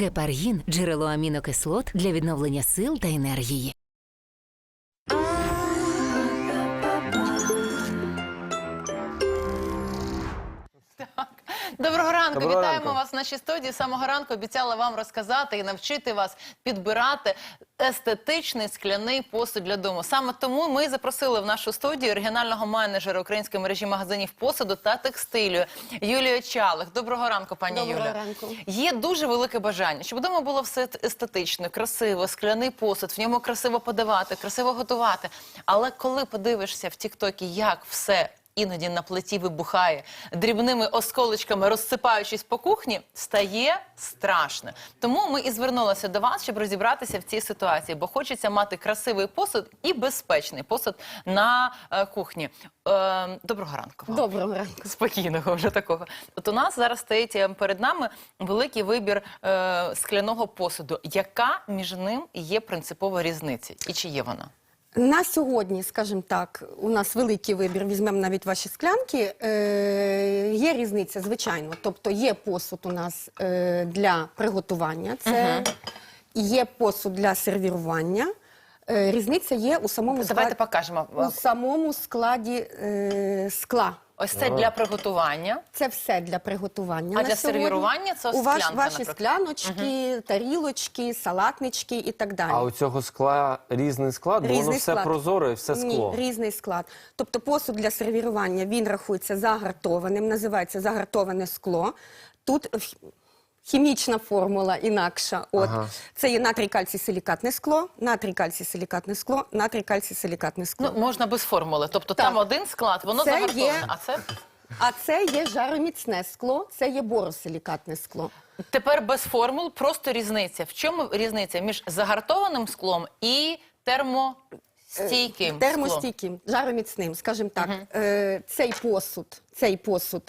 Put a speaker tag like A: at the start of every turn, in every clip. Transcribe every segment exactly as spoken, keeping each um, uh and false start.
A: Гепаргін – джерело амінокислот для відновлення сил та енергії.
B: Доброго ранку,
C: Доброго
B: вітаємо
C: ранку.
B: вас в нашій студії. З самого ранку обіцяла вам розказати і навчити вас підбирати естетичний скляний посуд для дому. Саме тому ми запросили в нашу студію оригінального менеджера української мережі магазинів посуду та текстилю Юлію Чалих. Доброго ранку, пані Юля.
D: Доброго ранку.
B: Є дуже велике бажання, щоб вдома було все естетично, красиво, скляний посуд, в ньому красиво подавати, красиво готувати. Але коли подивишся в тік-токі, як все іноді на плиті вибухає, дрібними осколочками розсипаючись по кухні, стає страшно. Тому ми і звернулися до вас, щоб розібратися в цій ситуації, бо хочеться мати красивий посуд і безпечний посуд на е, кухні. Е, доброго ранку вам.
D: Доброго ранку.
B: Спокійного вже такого. От у нас зараз стоїть е, перед нами великий вибір е, скляного посуду. Яка між ним є принципова різниця? І чи є вона?
D: На сьогодні, скажімо так, у нас великий вибір, візьмемо навіть ваші склянки, е, є різниця, звичайно. Тобто є посуд у нас е, для приготування, це
B: Угу.
D: є посуд для сервірування. Е, різниця є у самому,
B: Давайте
D: склад...
B: покажемо.
D: у самому складі е, скла.
B: Ось це для приготування.
D: Це все для приготування.
B: А
D: на
B: для
D: сьогодні.
B: сервірування це
D: у ваш,
B: склянка,
D: ваші
B: наприклад.
D: скляночки, угу. тарілочки, салатнички і так далі.
C: А у цього скла різний склад, бо
D: Різний
C: воно все
D: склад.
C: прозоре і все скло.
D: Ні, різний склад. Тобто посуд для сервірування, він рахується загартованим, називається загартоване скло. Тут х- хімічна формула інакша. От.
C: Ага.
D: Це є натрій кальцій силікатне скло, натрій кальцій силікатне скло, натрій кальцій силікатне скло.
B: Ну, можна без формули. Тобто
D: Так.
B: там один склад, воно
D: Це
B: загартоване.
D: є-
B: А це
D: А це є жароміцне скло, це є боросилікатне скло.
B: тепер без формул, просто різниця. В чому різниця між загартованим склом і термостійким склом?
D: Термостійким, жароміцним, скажімо так. Е, цей посуд, цей посуд,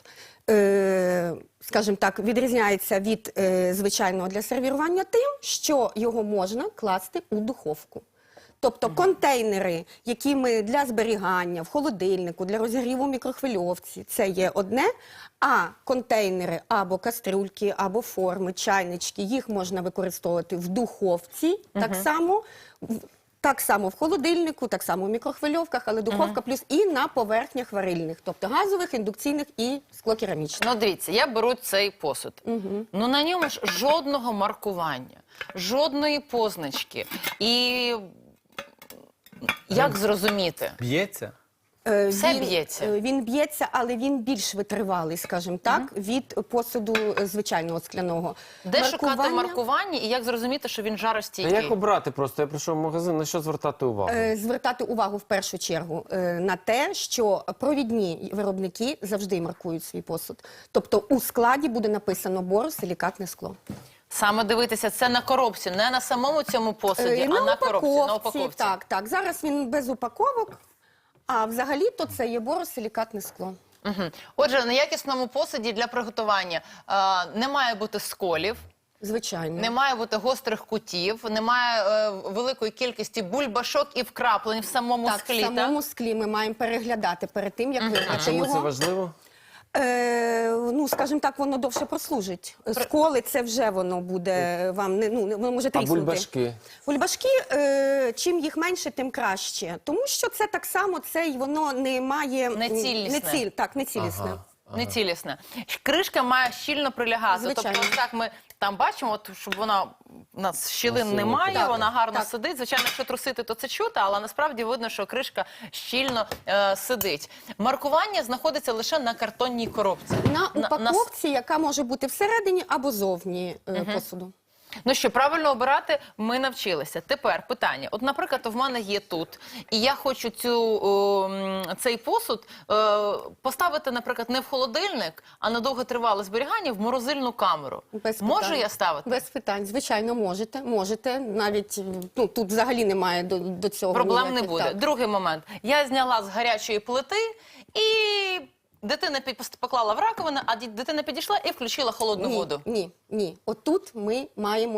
D: е, скажімо так, відрізняється від е, звичайного для сервірування тим, що його можна класти у духовку. Тобто контейнери, які ми для зберігання в холодильнику, для розігріву в мікрохвильовці, це є одне, а контейнери або кастрюльки, або форми, чайнички, їх можна використовувати в духовці, так само, в- так само в холодильнику, так само в мікрохвильовках, але духовка плюс і на поверхнях варильних, тобто газових, індукційних і склокерамічних.
B: Ну, дивіться, я беру цей посуд. Ну, на ньому ж жодного маркування, жодної позначки. І як зрозуміти?
C: Б'ється?
D: Е,
B: Все
D: він,
B: б'ється?
D: е, Він б'ється, але він більш витривалий, скажімо так, від посуду е, звичайного скляного.
B: Де шукати маркування і як зрозуміти, що він
C: А
B: жаростійкий?
C: як обрати просто? Я прийшов в магазин, на що звертати увагу?
D: Е, Звертати увагу в першу чергу е, на те, що провідні виробники завжди маркують свій посуд. Тобто у складі буде написано боросилікатне скло.
B: Саме дивитися це на коробці, не на самому цьому посуді,
D: Е,
B: а на коробці, на упаковці.
D: Так, так. Зараз він без упаковок, а взагалі-то це є боросилікатне скло.
B: Угу. Отже, на якісному посуді для приготування е, не має бути сколів,
D: Звичайно.
B: не має бути гострих кутів, немає е, великої кількості бульбашок і вкраплень в самому
D: Так,
B: склі.
D: в самому склі ми маємо переглядати перед тим, як
C: А
D: вибрати
C: чому це
D: його.
C: важливо?
D: Е, ну, скажімо так, воно довше прослужить. Сколи це вже воно буде вам, не, ну, воно може
C: А
D: тріснути.
C: бульбашки?
D: Бульбашки, е, чим їх менше, тим краще. Тому що це так само, це й воно не має...
B: Нецілісне.
D: Не ціль, так, нецілісне.
C: Ага.
B: Нецілісне. Кришка має щільно прилягати.
D: Звичайно.
B: Тобто, ось так ми там бачимо, от, щоб вона у нас щілин
C: Красиво.
B: немає,
D: Так,
B: вона гарно
D: так.
B: сидить. Звичайно, якщо трусити, то це чути, але насправді видно, що кришка щільно е, сидить. Маркування знаходиться лише на картонній коробці.
D: На упаковці, яка може бути всередині або зовні е, посуду.
B: Ну що, правильно обирати ми навчилися. Тепер питання. От, наприклад, в мене є тут, і я хочу цю, о, м, цей посуд е, поставити, наприклад, не в холодильник, а на довготривале зберігання в морозильну камеру.
D: Без
B: Можу
D: питань.
B: я ставити?
D: Без питань. Звичайно, можете. Можете. Навіть ну, тут взагалі немає до, до цього
B: Проблем не
D: ніяких,
B: буде.
D: так.
B: Другий момент. Я зняла з гарячої плити і дитина під- поклала в раковину, а ді- дитина підійшла і включила холодну
D: Ні,
B: воду.
D: ні, ні. Отут ми маємо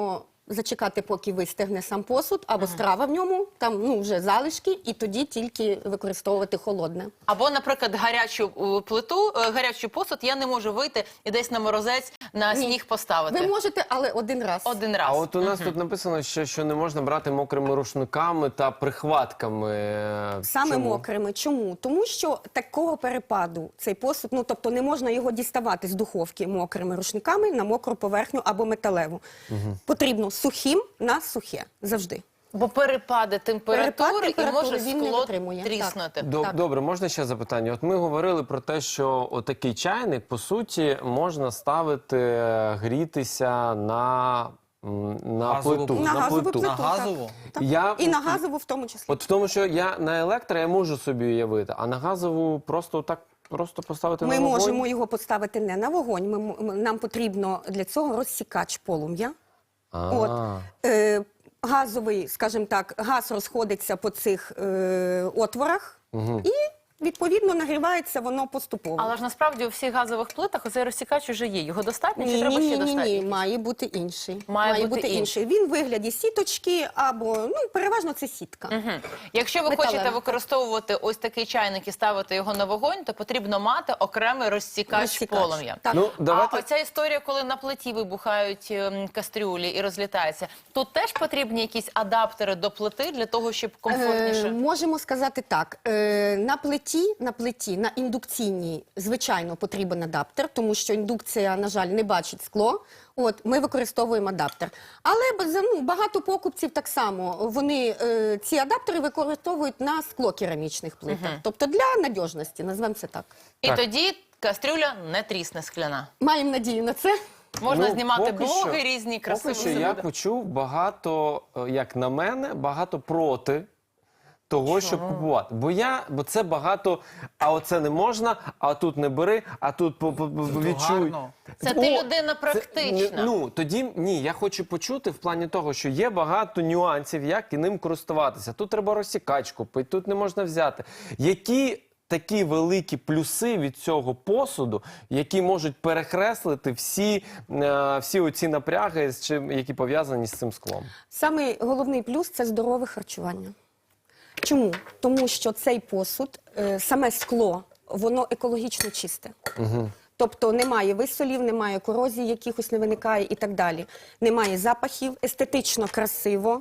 D: зачекати, поки вистигне сам посуд, або страва в ньому, там ну, вже залишки, і тоді тільки використовувати холодне.
B: Або, наприклад, гарячу е, плиту, е, гарячий посуд я не можу вийти і десь на морозець на
D: Ні.
B: сніг поставити.
D: Ви можете, але один раз.
B: Один раз.
C: А от у нас тут написано, що, що не можна брати мокрими рушниками та прихватками. Е,
D: Саме
C: чому?
D: мокрими. Чому? Тому що такого перепаду цей посуд, ну тобто не можна його діставати з духовки мокрими рушниками на мокру поверхню або металеву. Потрібно сухим на сухе завжди.
B: Бо перепади температури,
D: Перепад
B: і
D: температури
B: може
D: він не
B: скло
D: витримує.
B: тріснути.
C: Доб-
D: Так.
C: Добре, можна ще запитання? От ми говорили про те, що отакий чайник, по суті, можна ставити, е, грітися на, м, на
E: Газову
C: плиту.
E: плиту.
D: На газову
C: плиту.
D: плиту.
E: На газову?
D: Так.
C: Я-
D: І на газову в тому числі.
C: От в тому, що я на електро я можу собі уявити, а на газову просто так просто поставити
D: Ми
C: на вогонь?
D: можемо його поставити не на вогонь. Ми, м- нам потрібно для цього розсікач полум'я.
C: А.
D: От, е, газовий, скажімо так, газ розходиться по цих е, отворах і, відповідно, нагрівається воно поступово.
B: Але ж насправді у всіх газових плитах оцей розсікач вже є. Його достатньо чи
D: Ні,
B: треба
D: ні,
B: ще
D: ні, ні,
B: достатньо?
D: ні, має бути інший.
B: Має бути
D: інший. Він в вигляді сіточки або, ну, переважно це сітка.
B: Мгм. Якщо ви
D: Металева.
B: хочете використовувати ось такий чайник і ставити його на вогонь, то потрібно мати окремий розсікач,
D: Розсікач.
B: полум'я.
D: Так.
C: Ну, давайте...
B: А оця історія, коли на плиті вибухають ем, кастрюлі і розлітаються, тут теж потрібні якісь адаптери до плити для того, щоб комфортніше?
D: Е, можемо сказати так. Е, на плиті, на плиті, на індукційній, звичайно, потрібен адаптер, тому що індукція, на жаль, не бачить скло. От, ми використовуємо адаптер. Але б- за- ну, багато покупців так само. Вони е, ці адаптери використовують на склокерамічних плитах. Тобто для надіжності, назвемо це так.
B: І
C: Так.
B: тоді кастрюля не трісне скляна.
D: Маємо надію на це.
B: Можна
C: Ну,
B: знімати
C: поки
B: блоги
C: що-
B: різні,
C: Поки
B: красиві
C: що я
B: види.
C: почув багато, е, як на мене, багато проти того, щоб купувати. Бо я, бо це багато, а оце не можна, а тут не бери, а тут по- по- по- відчуй.
E: гарно.
B: Це ти людина практична.
C: Це, ну, тоді ні, я хочу почути в плані того, що є багато нюансів, як і ним користуватися. Тут треба розсікач купити, тут не можна взяти. Які такі великі плюси від цього посуду, які можуть перекреслити всі, е, всі оці напряги, з чим, які пов'язані з цим склом?
D: Самий головний плюс – це здорове харчування. Чому? Тому що цей посуд, е, саме скло, воно екологічно чисте. Угу. Тобто немає висолів, немає корозії, якихось не виникає і так далі. Немає запахів, естетично красиво.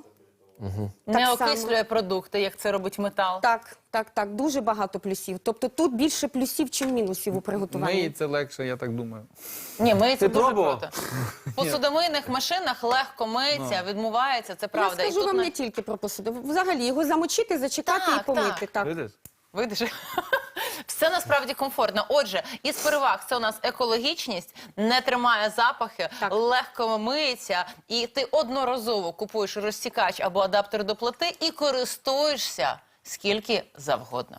B: Не
D: Так само.
B: окислює продукти, як це робить метал.
D: Так, так, так, дуже багато плюсів. Тобто тут більше плюсів, ніж мінусів у приготуванні.
E: Миї це легше, я так думаю.
B: Ні, миється
C: Ти
B: дуже
C: пробував?
B: круто. В посудомийних машинах легко миється, відмивається, це правда.
D: Я
B: І
D: скажу
B: тут
D: вам
B: на-
D: не тільки про посуд. Взагалі його замочити, зачекати
B: Так,
D: і помити.
B: так.
D: Так.
E: Видиш?
B: Видиш? Все насправді комфортно. Отже, із переваг це у нас екологічність, не тримає запахи,
D: Так.
B: легко миється, і ти одноразово купуєш розсікач або адаптер до плити і користуєшся скільки завгодно.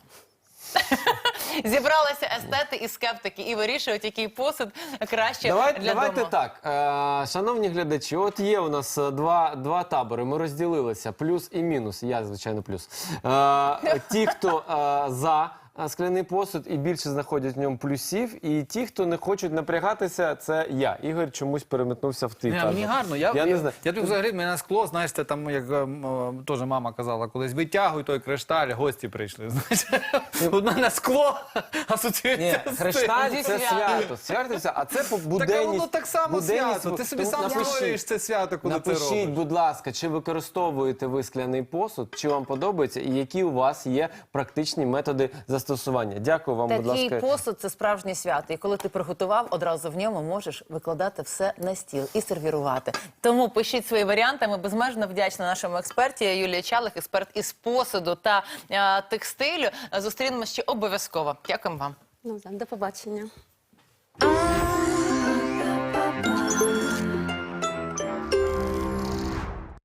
B: Зібралися естети і скептики і вирішують, який посуд краще
C: Давай,
B: для
C: давайте
B: дому.
C: так, е, шановні глядачі, от є у нас е, два, два табори, ми розділилися, плюс і мінус, я, звичайно, плюс. Е, ті, хто е, за е, скляний посуд і більше знаходять в ньому плюсів, і ті, хто не хочуть напрягатися, це я. Ігор чомусь переметнувся в твій
E: Ні,
C: табір.
E: мені гарно. Я,
C: я,
E: я,
C: не знаю.
E: я тобі взагалі, мене скло, знаєш, це там, як ем, ем, теж мама казала колись, витягуй той кришталь, гості прийшли. Знаєш, у мене скло
C: Ні,
E: асоціюється з
C: хрешталь
B: Зі
C: – це
B: святом.
C: свято, свято все, а це по
E: Так, а
C: буденність.
E: воно так само
C: буденність,
E: свято. Ти собі
C: ну,
E: сам
C: напишіть.
E: створюєш це свято, коли ти
C: Напишіть,
E: робиш.
C: будь ласка, чи використовуєте ви скляний посуд, чи вам подобається, і які у вас є практичні методи застосування. Дякую вам, будь
B: Такий
C: ласка.
B: посуд – це справжнє свято. І коли ти приготував, одразу в ньому можеш викладати все на стіл і сервірувати. Тому пишіть свої варіанти. Ми безмежно вдячні нашому експерті Юлія Чалих, експерт із посуду та е, текстилю. Зустрінемося ще обов'язково. Дякуємо вам.
D: Ну, до побачення.
A: А